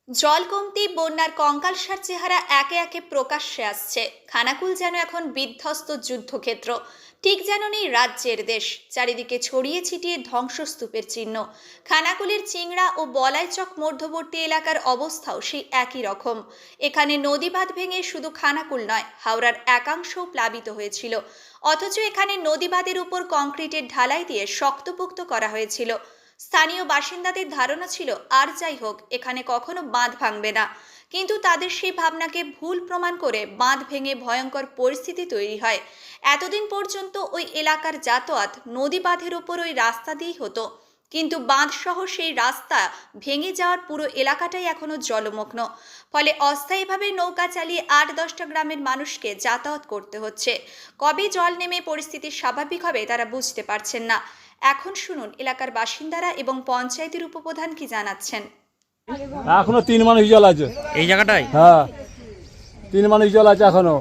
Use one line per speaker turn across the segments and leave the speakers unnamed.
জল কমতি বন্যার কঙ্কালসার চেহারা একে একে প্রকাশ্যে আসছে। খানাকুল যেন এখন বিধ্বস্ত যুদ্ধক্ষেত্র, ঠিক যেন নেই রাজ্যের দেশ। চারিদিকে ছড়িয়ে ছিটিয়ে ধ্বংসস্তূপের চিহ্ন। খানাকুলের চিংড়া ও বলাইচক মধ্যবর্তী এলাকার অবস্থাও সেই একই রকম। এখানে নদী বাঁধ ভেঙে শুধু খানাকুল নয়, হাওড়ার একাংশও প্লাবিত হয়েছিল। অথচ এখানে নদী বাঁধের উপর কংক্রিটের ঢালাই দিয়ে শক্তপোক্ত করা হয়েছিল। স্থানীয় বাসিন্দাদের ধারণা ছিল আর যাই হোক, এখানে কখনো বাঁধ ভাঙবে না। কিন্তু তাদের সেই ভাবনাকে ভুল প্রমাণ করে বাঁধ ভেঙে ভয়ঙ্কর পরিস্থিতি তৈরি হয়। এতদিন পর্যন্ত ওই এলাকার যাতায়াত নদী বাঁধের উপর ওই রাস্তা দিয়েই হতো, কিন্তু বাঁধ সহ সেই রাস্তা ভেঙে যাওয়ার পুরো এলাকাটাই এখনো জলমগ্ন। ফলে অস্থায়ীভাবে নৌকা চালিয়ে ৮-১০টা গ্রামের মানুষকে যাতায়াত করতে হচ্ছে। কবে জল নেমে পরিস্থিতি স্বাভাবিক হবে তারা বুঝতে পারছেন না। এখন শুনুন এলাকার বাসিন্দারা এবং পঞ্চায়েতের উপপ্রধান কি জানাচ্ছেন।
এখনো 3 মানুষ জল আছে
এই জায়গাটায়।
হ্যাঁ, 3 মানুষ জল আছে এখনো।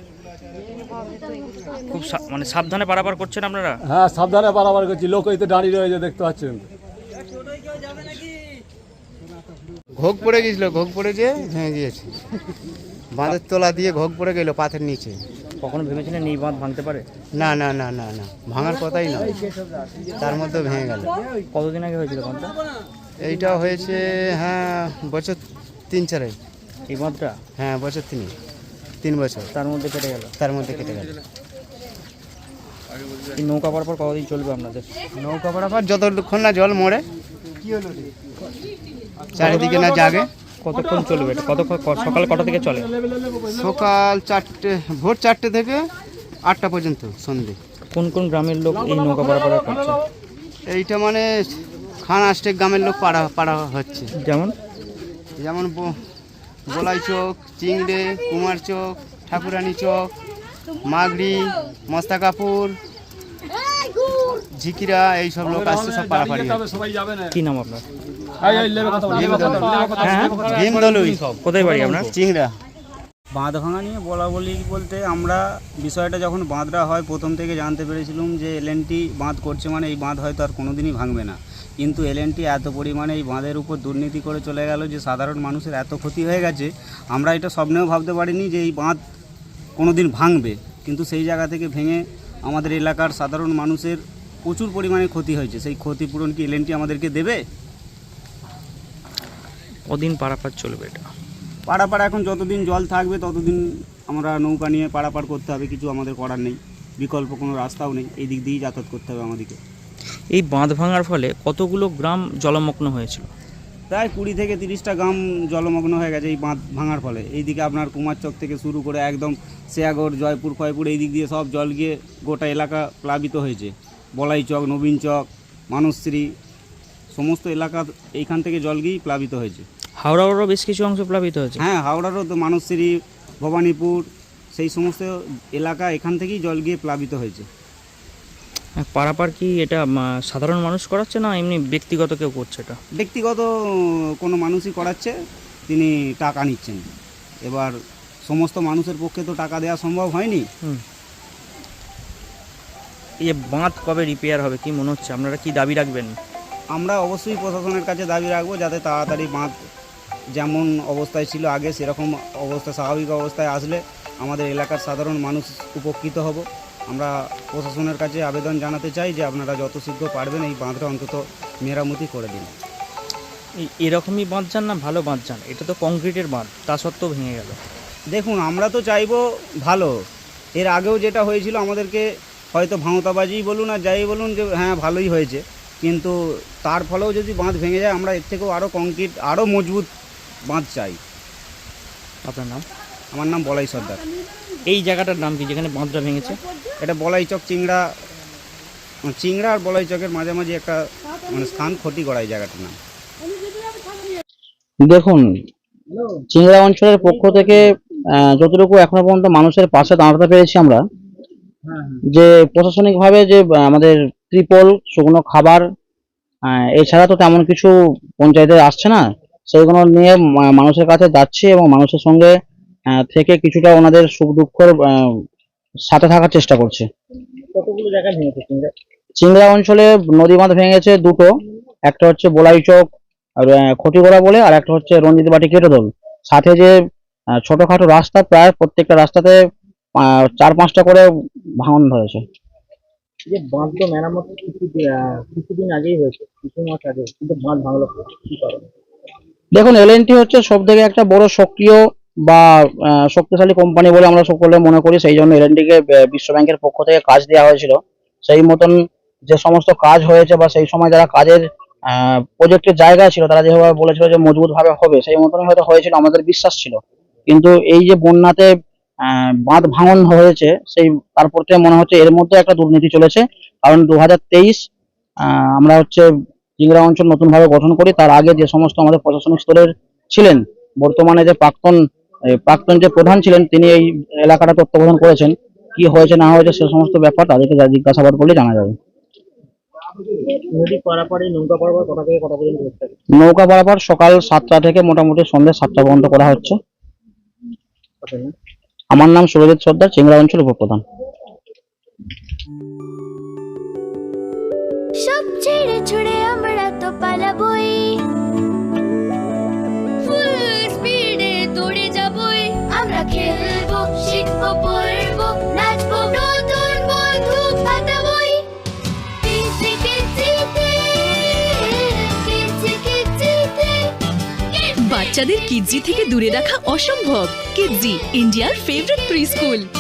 খুব মানে সাবধানে পারাপার করছেন আপনারা?
হ্যাঁ, সাবধানে পারাপার করছি। লোক এই তো দাঁড়িয়ে রয়েছে, দেখতে পাচ্ছেন।
ঘোগ পড়ে গেছিল, ঘোগ পড়ে গিয়ে ভেঙে গিয়েছে। বাঁধের তলা দিয়ে ঘোগ পড়ে গেল পাথের নিচে।
কখনো ভেবেছিলেন এই বাঁধ ভাঙতে পারে?
না না না না না, ভাঙার কথাই না, তার মধ্যে ভেঙে গেল।
কতদিন আগে হয়েছিল বাঁধটা?
এইটা হয়েছে হ্যাঁ বছর 3-4।
এই বাঁধটা?
হ্যাঁ বছর 3 বছর
তার মধ্যে কেটে গেল।
তার মধ্যে কেটে গেল।
এই নৌকা পারাপার কতদিন চলবে আপনাদের?
নৌকা পারাপার যতক্ষণ না জল মরে, চারিদিকে না জাগে।
কতক্ষণ চলবে এটা? সকাল কটা থেকে চলে?
সকাল 4টে, ভোর 4টে থেকে 8টা পর্যন্ত সন্ধে।
কোন কোন গ্রামের লোক এই নৌকা পারাপার করছে?
এইটা মানে খান আষ্টেক গ্রামের লোক পাড়া হচ্ছে।
যেমন
যেমন বলাই চক, চিংড়ে, কুমার চক, ঠাকুরানী চক, মাগড়ি, মস্তাকাপুর, ঝিকিরা, এইসব লোক আসছে, সব পাড়াপাড়ি।
কি নাম আপনার?
ভীমদলুই।
কোথায় বাড়ি আপনার?
চিংড়া।
বাঁধ ভাঙা নিয়ে বলতে আমরা বিষয়টা যখন বাঁধটা হয় প্রথম থেকে জানতে পেরেছিলাম যে এলএনটি বাঁধ করছে, মানে এই বাঁধ হয়তো আর কোনোদিনই ভাঙবে না। কিন্তু এলএনটি এত পরিমাণে এই বাঁধের উপর দুর্নীতি করে চলে গেল যে সাধারণ মানুষের এত ক্ষতি হয়ে গেছে, আমরা এটা স্বপ্নেও ভাবতে পারিনি যে এই বাঁধ কোনোদিন ভাঙবে। কিন্তু সেই জায়গা থেকে ভেঙে আমাদের এলাকার সাধারণ মানুষের প্রচুর পরিমাণে ক্ষতি হয়েছে। সেই ক্ষতিপূরণ কি এলএনটি আমাদেরকে দেবে?
কদিন পারাপার চলবে এটা?
পারাপার এখন যতদিন জল থাকবে ততদিন আমরা নৌকা নিয়ে পারাপার করতে হবে, কিছু আমাদের করার নেই, বিকল্প কোনো রাস্তাও নেই, এই দিক দিয়েই যাতায়াত করতে হবে আমাদেরকে।
এই বাঁধ ভাঙার ফলে কতগুলো গ্রাম জলমগ্ন হয়েছিল?
প্রায় 20 থেকে 30টা গ্রাম জলমগ্ন হয়ে গেছে এই বাঁধ ভাঙার ফলে। এইদিকে আপনার কুমারচক থেকে শুরু করে একদম শেয়াগড়, জয়পুর, ফয়পুর, এই দিক দিয়ে সব জল গিয়ে গোটা এলাকা প্লাবিত হয়েছে। বলাই চক, নবীন চক, মানসশ্রী, সমস্ত এলাকা এইখান থেকে জল গিয়েই প্লাবিত হয়েছে।
হাওড়ারও বেশ কিছু অংশ প্লাবিত হয়েছে।
হ্যাঁ, হাওড়ারও তো মানসশ্রী, ভবানীপুর, সেই সমস্ত এলাকা এখান থেকেই জল গিয়ে প্লাবিত হয়েছে।
পারাপার কি এটা সাধারণ মানুষ করাচ্ছে না এমনি ব্যক্তিগত কেউ করছে? এটা
ব্যক্তিগত কোনো মানুষই করাচ্ছে, তিনি টাকা নিচ্ছেন। এবার সমস্ত মানুষের পক্ষে তো টাকা দেওয়া সম্ভব হয়নি।
এই যে বাঁধ কবে রিপেয়ার হবে কি মনে হচ্ছে? আপনারা কি দাবি রাখবেন?
আমরা অবশ্যই প্রশাসনের কাছে দাবি রাখবো যাতে তাড়াতাড়ি বাঁধ যেমন অবস্থায় ছিল আগে সেরকম অবস্থা, স্বাভাবিক অবস্থায় আসলে আমাদের এলাকার সাধারণ মানুষ উপকৃত হব। আমরা প্রশাসনের কাছে আবেদন জানাতে চাই যে আপনারা যত শীঘ্র পারবেন এই বাঁধটা অন্তত মেরামতি করে দিন।
এরকমই বাঁধ যান না ভালো বাঁধ যান? এটা তো কংক্রিটের বাঁধ, তা সত্ত্বেও ভেঙে গেল।
দেখুন, আমরা তো চাইবো ভালো। এর আগেও যেটা হয়েছিল আমাদেরকে হয়তো ভাঁওতাবাজি বলুন আর যাই বলুন যে হ্যাঁ ভালোই হয়েছে, কিন্তু তার ফলেও যদি বাঁধ ভেঙে যায় আমরা এর থেকেও আরও কংক্রিট, আরও মজবুত বাঁধ চাই।
আপনার নাম?
আমার নাম বলাই সর্দার।
এই জায়গাটার নাম কি যেখানে বাঁধটা ভেঙেছে?
এটা বলাইচক, চিংড়া আর বলাইচকের মাঝামাঝি একটা মানে স্থান, ক্ষতিগড়া এই জায়গাটার নাম।
দেখুন, চিংড়া অঞ্চলের পক্ষ থেকে যতটুকু এখনো পর্যন্ত মানুষের পাশে দাঁড়াতে পেরেছি আমরা, যে প্রশাসনিক ভাবে যে আমাদের ত্রিপল, শুকনো খাবার, এছাড়া তো তেমন কিছু পঞ্চায়েতে আসছে না, সেইগুলো নিয়ে মানুষের কাছে যাচ্ছে এবং মানুষের সঙ্গে থেকে কিছুটা ওনাদের সুখ দুঃখের সাথে থাকার চেষ্টা করছে।
কতগুলো জায়গায় ভেঙেছে চিংড়া?
চিংড়া অঞ্চলে নদী বাঁধ ভেঙেছে দুটো, একটা হচ্ছে বলাইচক আর খটিগড়া বলে, আর একটা হচ্ছে রঞ্জিত বাটি কেটোদল। সাথে যে ছোটখাটো রাস্তা, প্রায় প্রত্যেকটা রাস্তাতে 4-5টা করে ভাঙন ধরেছে। যে বাঁধ তো মেরামত কিছুদিন আগেই হয়েছে, কিছু মাস আগে, কিন্তু বাঁধ ভাঙলো কি কারণে? দেখুন, এলএনটি হচ্ছে সব থেকে একটা বড় সক্রিয় বা শক্তিশালী কোম্পানি বলে আমরা সকলে মনে করি। সেই জন্য এলএনটি কে বিশ্ব ব্যাংকের পক্ষ থেকে কাজ দেওয়া হয়েছিল। সেই মতন যে সমস্ত কাজ হয়েছে বা সেই সময় যারা কাজের প্রজেক্টের জায়গায় ছিল, তারা যেভাবে বলেছিল যে মজবুত ভাবে হবে, সেই মতনই হয়তো হয়েছিল, আমাদের বিশ্বাস ছিল। কিন্তু এই যে বন্যাতে বাঁধ ভাঙন হয়েছে, সেই তারপর থেকে মনে হচ্ছে এর মধ্যে একটা দুর্নীতি চলেছে। কারণ 2023 আমরা হচ্ছে চিংড়া অঞ্চল নতুন ভাবে গঠন করি। তার আগে যে সমস্ত আমাদের প্রশাসনিক স্তরের ছিলেন, বর্তমানে যে প্রাক্তন যে প্রধান ছিলেন, তিনি এই এলাকাটা তত্ত্বাবধান করেছেন। কি হয়েছে না হয়েছে সে সমস্ত ব্যাপার তাদেরকে জিজ্ঞাসাবাদ করলে জানা যাবে। নৌকা পারাপার সকাল 7টা থেকে মোটামুটি সন্ধ্যে 7টা পর্যন্ত করা হচ্ছে। আমার নাম সুরজিৎ সর্দার, চিংড়া অঞ্চল উপপ্রধান।
সব ছেড়ে ছুড়ে আমরা তো পালাবই, ফুল স্পিডে দৌড়ে যাবই। আমরা খেলবো, শিখবো, পড়বো, নাচবো, নতুন বন্ধু পাঠাবই। কিচি কিচিতে, কিচি কিচিতে।
বাচ্চাদের কিডজি থেকে দূরে রাখা অসম্ভব। কিডজি, ইন্ডিয়ার ফেভারিট প্রি স্কুল।